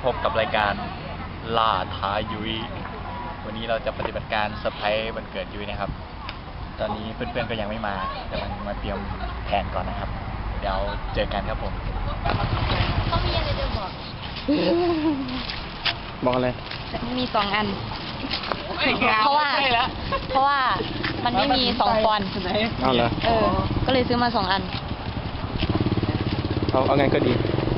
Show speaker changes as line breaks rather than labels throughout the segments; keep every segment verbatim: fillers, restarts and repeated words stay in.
บกับรายการล่าท้ายุ้ยวันนี้เราจะปฏิบัติการเซอร์ไพรส์วันเกิดยุ้ยนะครับตอนนี้เพื่อนๆก็ยังไม่มาแต่มันมาเตรียมแผนก่อนนะครับเดี๋ยวเจอกันครับผม
เขามีอะไรจะบอก
บอกอะไร
มีสองอันเพราะว่าเพราะว่ามันไม่มีสองปอนด์
เอาเหรอ
เออก็เลยซื้อมาสองอัน
เอาเอาไงก็ดี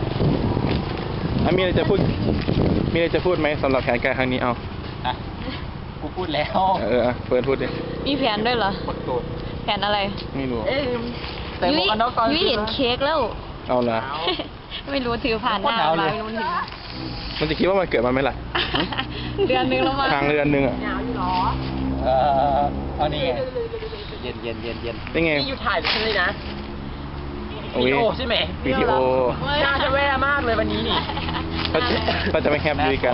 มีอะไรจะพูดมีอะไรจะพูดไหมสำหรับแผนการครั้งนี้เอา
อ่ะกูพูดแล้ว
เออเฟิร์นพูดดิ
มีแผนด้วยเหรอแผนอะไร
ไม่รู้
ยุ้ยยุ้ยเห็นเค้กแล้ว
เอาละ
ไม่รู้ถือผ่านหน้ามาไม่รู้ถึง
มันจะคิดว่ามันเกิดมาไหมล่ะ
เดือนนึงแล้วมั้ง
ทางเดือนนึงอ่ะ
เออเอานี่เย็นเย็นเย็นเย็น
เป็นไง
นี่อยู่ถ่ายใช่ไหมนะ
วิดี
โอใช่ไหม
วิดีโอ
น่าจะแย่มากเลยวันนี้นี่
ก็จะไม่แฮปยุ้ยกัน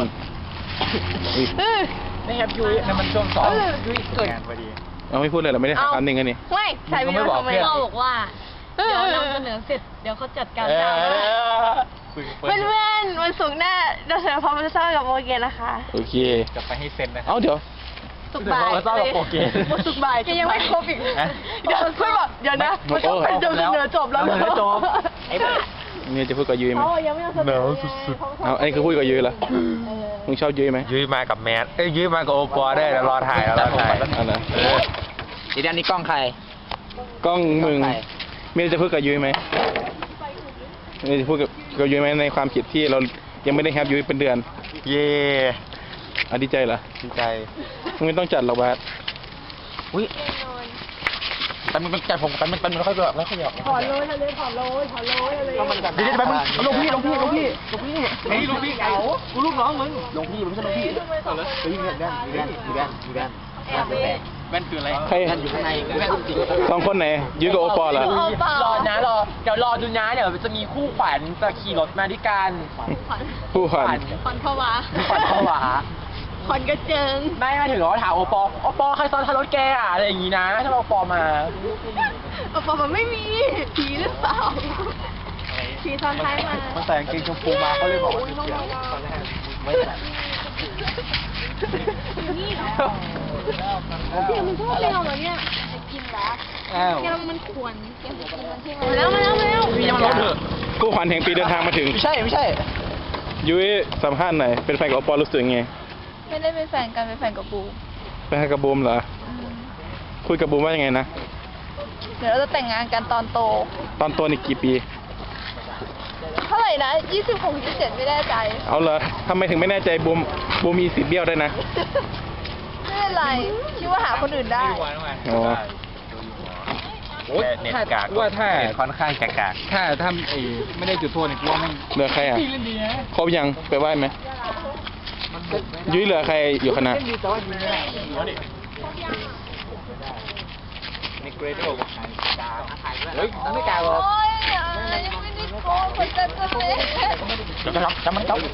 ไม่แฮปยุ้ย
นั่นมันช่วงสอง
ยุ้ยเกิด
พอดี
เอาไม่พูดเลยเราไม่ได้หาคำหนึ่งกันนี่
ไม่ใช่ไม่บอกเพื่อนเขาบอกว่าเดี๋ยวนำเสนอเสร็จเดี๋ยวเขาจัดการตามเพื่อนเพื่อนวันศุกร์หน้าเราเสนอพร้อมจะเศร้ากับโอเคนะคะ
โอเค
จะไปให้เซ็นนะ
เอาเดี๋ยว
สุกบ่าย
เศร้ากับโอเค
สุกบ่ายยังไม่ครบอีกเดี๋ยวเพื่อนบอกเดี๋ยวนะมันต้องเป็นจบเสนอจบแล้วเ
จบไอ้บ้า
นี่จะพูดกับยุ้ยไหม
ยังไม่เสนอ
สุดๆเอาไอ้คือพูดกับยุ้ยเหรอมึงชอบยุ้ยไหม
ยุ้ยมากับแมทเอ้ยยุ้ยมากับโอปอได้แล้วรอถ่ายแล้วรอถ่าย
อันนั้น
อีด้านนี้กล้องใคร
กล้องมึงมีอะไรจะพูดกับยุ้ยไหมมีอะไรจะพูดกับยุ้ยไหมในความผิดที่เรายังไม่ได้แฮปยุ้ยเป็นเดือน
เย่
อ่ะดีใจเหรอ
ดีใจ
มึงไม่ต้องจัดหรอกบาส
อุ้ยแต่มึงจัดผมกันมันเป็นไม่ค่อยแบบไม่ค่อยหยอก
ถอนเลยทะเลถอนเลยถอนเลยอะไร
เดี๋ยวไปมึงลงพี่ลงพี่ลงพี่ลงพี่
ไอ้ลงพี่เก๋า
กูลูกน้องมึงลงพี่ไม่ใช่ลงพี่เฮ้ยแว่นแว่นแว่นแว่นแว่นแว่นคืออะไร
ใคร
แว่นอยู่ข้างในแว่นจริง
สองคนไหนยุ้ยกับโอปอล์เหรอ
รอนะรอเดี๋ยวรอดูนะเดี๋ยวจะมีคู่ขวัญจะขี่รถมาด้วยกัน
คู่ขวัญ
ขวัญผวา
ขวัญผวา
ขวัญกระเจิง
ไม่มาถึงเราถามโอปอโอปอใครซ้อนท้ายรถแกอะอะไรอย่างงี้นะถ้าโอปอมา
โอปอมันไม่มีผีหรือเปล่าผีซ้อนท้ายมา
มันแต่งเกงชมพูมาเขาเลยบอกว่าเสียไม่ใช่
นี่เดี๋ยวมันชอบแมวเหรอเนี่ยกินแล้วแมวมันขวนแกจะกินมันใช่ไหมมาแล้วมาแล้วมาแล้ว
มียังรอเถอะคู่ขวัญแห่งปีเดินทางมาถึง
ไม่ใช่ไม่ใช่
ยุ้ยสัมภาษณ์หน่อยเป็นแฟนกับโอปอล์รู้สึกไง
ไม่ได้เป็นแฟนกันเป็นแฟนกับบูม
เป็นแฟนกับบูมเหรอคุยกับบูมว่ายังไงนะ
เดี๋ยวเราจะแต่งงานกันตอนโต
ตอนโตนี่กี่ปี
เท่าไหร่นะยี่สิบหกยี่สิบเจ็ดไม่แน่ใจ
เอาเหรอทำไมถึงไม่แน่ใจบูมบูมมีสิทธิ์เบี้ยวได้นะ
ไม่เป็นไรคิดว่าหาคนอื่นได้
อ๋อ
โอ้ยเน็ตกากว่าถ้าค่อนข้างกากถ้าทำไอ้ไม่ได้จุดโทษเนี่ยกูว่าไม่
เหลือใครอ่ะครบยังไปไหว้ไหมยุ้ยเหลือใครอยู่คณะ
นิเกรโดเฮ้ยไม่กล้าหรอก
ยังไม่ได้โกงคนจะจะเลย
จะจะรับจะมันเจ้า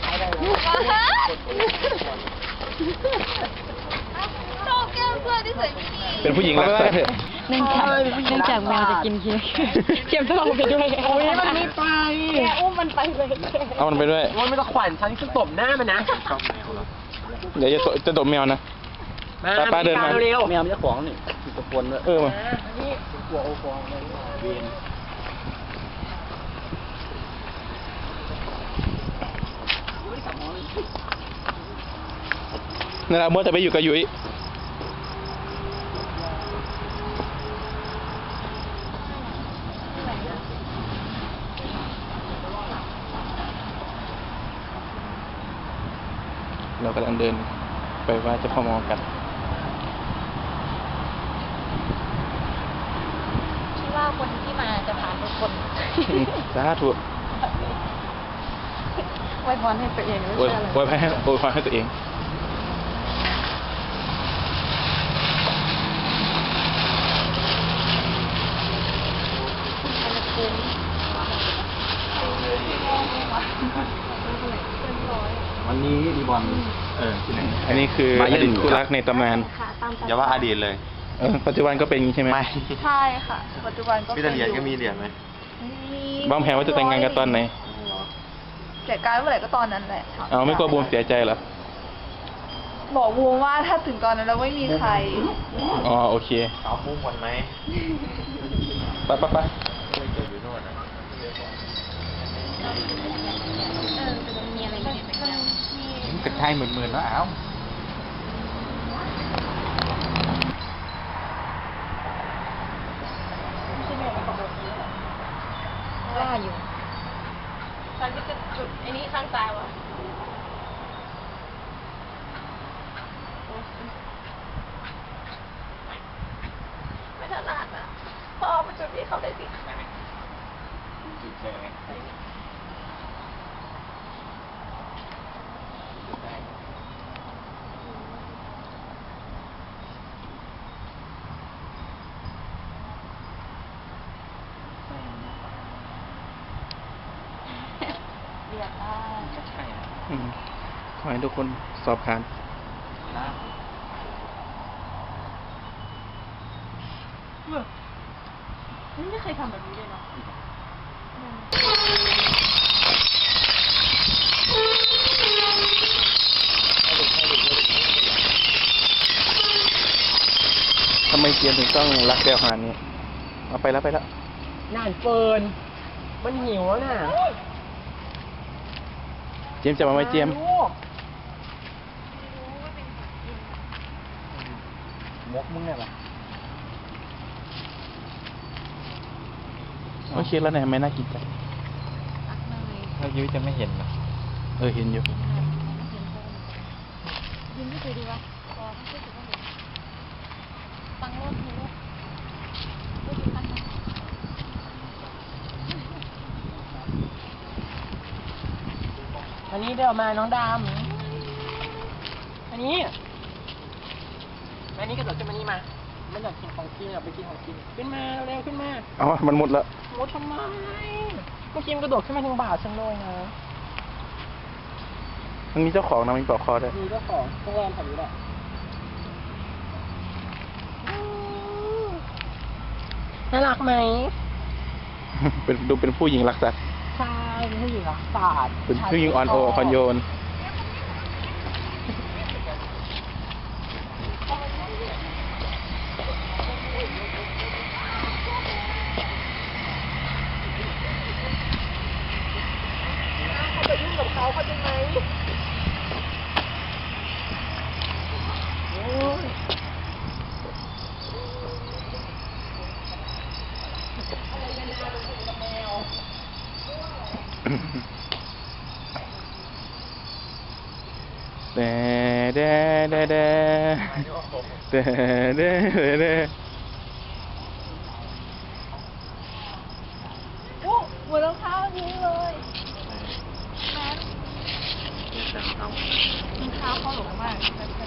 ชอบแก้มเพื่อนที่ใส่ไม่ดี
เป็นผู้หญิงรักษาเถอะ
เนื่องจากเนื่องจากแมวจะกินเค้กเก็บทองไปด้วย
โอ้ยมันไม่ไป
แกอุ้มมันไปเลย
เอามันไปด้วย
โอ้ยไม่ต้องขวัญฉันจะตบหน้ามันนะ
เดี๋ยวจะจะตบแมวนะป้าป้าเดินมา
เร็ว
แมวมันจะขวางนี่ตะโกนด้วย
เออมา
กลัวโอฟองเลยเวียน
นี่แหละเมื่อจะไปอยู่กับยุ้ยเรากำลังเดินไปว่าจะพ่อมอกัน
คิดว่าคนที่มาจะผ่านทุกคน
สาธุ
ไว้พรให้ตัวเองไม่ใช่อะไร
ไว้พรให้ไว้พรให้ตัวเอง
วันนี้ดีบอลเออที่ไหน
อันนี้คืออดีตคู่รักในตำนาน
อย่าว่าอดีตเลย
เออปัจจุบันก็เป็นอย่างนี้ใช่ไหม
ไม่
ใช่ค่ะปัจจุบันก็
มีแต่เหรียญก็มีเหรียญไหม
วางแผนว่าจะแต่งงานกันตอนไหน
เสียการเมื่อไหร่ก็ตอนนั้นแหละ
เอาไม่กลัวบูมเสียใจเหรอ
บอกบูมว่าถ้าถึงตอนนั้นแล้วไม่มีใคร
อ๋อโอเค
เอามุ้งก่อนไหม
ไปไปไป
อยู่โน่นนะ
เออจะมีอะไรอย่างเงี้ยมี
กระชายหมื่นๆแล้วอ้าว
ว่าอยู่ฉันก็จะจุดไอ้นี้ข้างซ้ายวะไม่ถนัดอ่ะพ่อเอาไปจุดนี้เขาได้สิ
จุดเลย
เรียบได้
ใช่นะ
อืมขอให้ทุกคนสอบผ่าน
นะ
ไม่เคยทำแบบนี้เลยเนาะ
ทำไมเจียมถึงต้องรักเดวขนาดนี้ เอาไปแล้วไปแล้ว
นานเฟิร์นมันหิวแล้วน่ะ
เจียมจะมาไหมเจียม
ลูก
มกมึงเนี่ยปะ
โอเคแล้วเนี่ยไม่น่ากินจัง
รักเลย
แล้วยุ้ยจะไม่เห็นเหรอ
เออเห็นอยู่
ยินไม่เคยดีวะพอไม่เคยถือว่าเห็นฟังรถมีรถรถคันนึง
อันนี้เดี๋ยวมาน้องดำอันนี้อันนี้กระโดดขึ้นมานี่มาไม่อยากกินของกินอยากไปกินของกินขึ้นมาเร็วๆขึ้นมา
เอามันหมดแล้ว
โอ้ทำไมเมื่อกี้มันกระโดดขึ้นมาทางบ่าฉันเลยนะ
มันมีเจ้าของนะมีปลอกคอด้วย
มีเจ้าของโรงแรมแถวนี้แหละน่ารักไหม
เป็นดูเป็นผู้หญิงรักสัตว์
ใช่เป็นผู้หญิงรักษาสตร์
เป็นผู้หญิงอ่อนโอคอนโยน
เขาจะยุ่งกับเขาเขาจะไหมโอ้ย
เด้เด้เด้เด้เด้เด้เด้
โอ้หัวรองเท้านี้เลยแม่รองเท้าเขาหลงมาก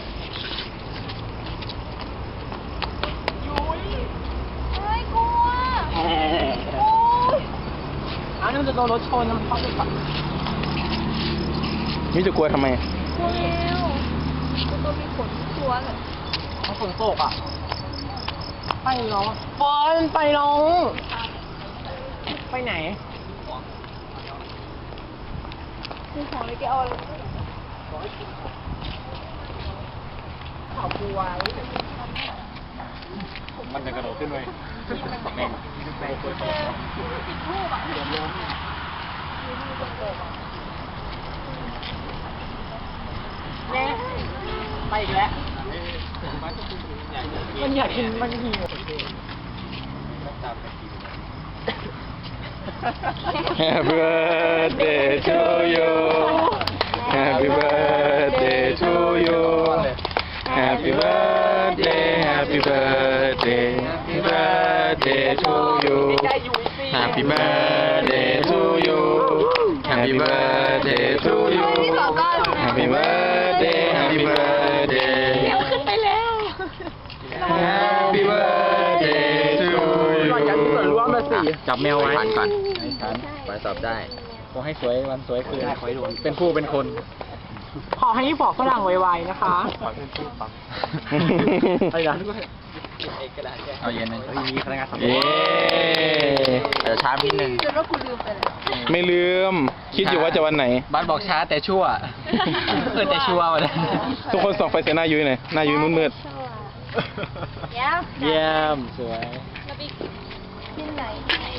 ยุ้ยเฮ้ยกลัวโอ้ย
อ้าวนี่มันจะโดนรถชนมันเข้าไปฝั่ง
มิจะกลัวทำไม
กลัวแล้วตัวมีขนกลัวเลย
เขาฝนตกอ่ะ ไปน้องบอลไปน้องไปไหน
คือของเลยแกเอาอะไร
ข่าวกลัว
มันจะกระโดดขึ้นเลยแม่ง
ติดรูปอ่ะเดี๋ยวล้มเนี่ย
ไปอีกแล้ว มันอยากกินมันหิว
Happy birthday to you Happy birthday to you Happy birthday Happy birthday Happy birthday to you Happy birthday to you Happy birthday to you Happy birthday Happy birthday
เดี๋ยวขึ้นไปแล้ว
Happy birthday to
ก่อนจะเหมือนร่วมมาสิ
จับแมวไว้ผ่านก่อนไอ้ฉันไปสอบได้ขอให้สวยวันสวยคืนเป็นผู้เป็นคน
ขอให้บอกฝรั่งไวๆนะคะ
ขอเป็นผู้ฟัง
อะไรนะ
เอาเย็นเลยมีพนักงานสอบ
เย้
อาจจะช้านิดนึง
จนว่ากูลืมไปแล้ว
ไม่ลืม คิดอยู่ว่าจะวันไหน
บ้านบอกช้าแต่ชั่วเออแต่ชั่ววันนั้น
ทุกคนส่องไฟใส่หน้ายุ้ยหน่อยหน้ายุ้ยมืด
เดี๋ยว
เยี่ยมสวย
เราไปที่ไหน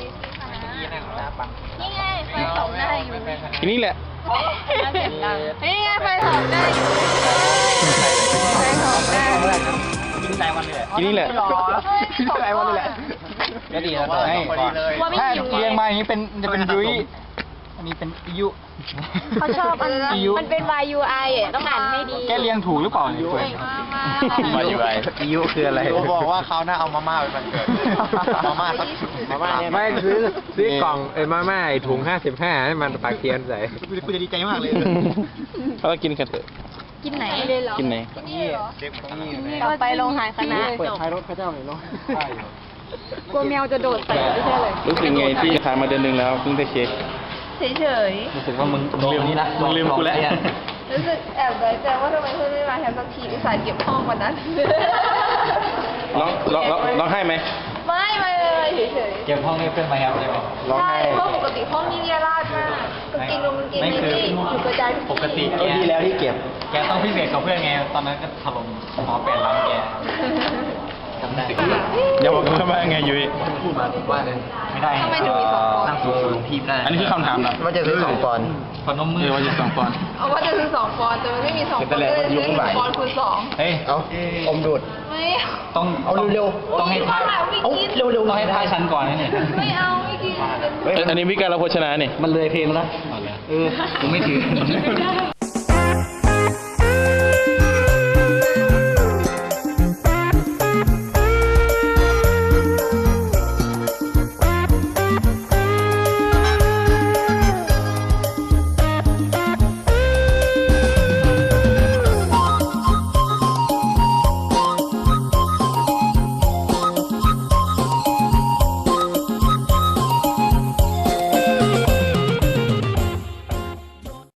นี่ไงไฟสองหน้าอยู่
ๆทีนี้แหละ
นี่ไงไฟสองหน้าอยู่ไฟสองหน้า
กินใจวันเลย
ทีนี้แหละ
กินใจวันเลยแหละก็ดีแล้วให้ถ้าเรียงมาอย่างนี้เป็นจะเป็นยุ้ยอันนี้เป็นยุ
เขาชอบอันนั้น
ยุ
มันเป็น Y U I อ่ะต้องอ่านให้ดี
แกเรียงถูกหรือเปล่าเนี่ยเฟิร์น
มา
อยู่ไอยุคืออะไร
บอกว่าเขาหน้าเอามาม่าไปมันเกิด มาม่าสักมาม่าเนี่ย
ไม่ซื้อซื้อกล่องเอ้ยมาม่าไอ้ถุงห้าสิบห้าให้มันปากเทียนใส่
กูจะดีใจมากเลย
เรากินกันเถอะ
กินไหนเลยเหรอ
กินไหน
เราไปโรงหายคณะ
เปิดท้ายรถพระเจ้าหน่อยเนาะ
กลัวแมวจะโดดใส่ไม่ใช่เลย
รู้สึกไงที่ขายมาเดือนหนึ่งแล้วเพิ่งได้เค้ก
เฉย
รู้สึกว่ามึงลืมนี่นะมึงลืมกูแล้ว
ๆรู้สึกแอบน้อยใจว่าทำไมเพื่อนไม่มาแฮมสักทีอุตส่าห์เก็บห้องวันนั้น
ร้องร้องร้องร้องไห้ไหม
ไม่ไม่เลยเฉย
เก็บห้องให้เพื่อนมาแฮปเลยไหม
ๆใช่เพราะปกติห้องนี้เนี่ยราดมากก็กินนมกิน
ไม่
นี่
คือ
นี่อยู่กระจายทุ
ปกติ
ที่
แกดีแล้วที่เก็บ แกต้องพิเศษกับเพื่อนไง ตอนนั้นก็ถล่มหมอแปดล้ำแกจำได้
อย่าบอกกันว่าไงยุ้ย
พูดมาผมว่าเลยไม่ได้
ทำไมถึงมีสองปอน
นั่ง
ด์
สูงๆทีมได้
อันนี้คือคำถามเหรอ
ว่าจะซื้อสองปอนด์
พนมมื
เอ
อ
อว่าจะสองปอนด์
เอาว่าจะซื้อสองปอนด์แต่มันไม่มีสองปอนด์ก็เลยซื้อหนึ่งปอนด์คูณสอง
เฮ้ย
เอาอมดูด
ไม่
ต้อง
เอาเร็ว
ๆต้องให้ทาย
เอาไม่กิน
เร็วๆต้องให้ทายฉันก่อนนะเนี่ย
ไม่เอาไม่กิน
อันนี้วิการเราโภชนาเนี่ย
มันเลยเพลงแล้วเออผมไม่ถือ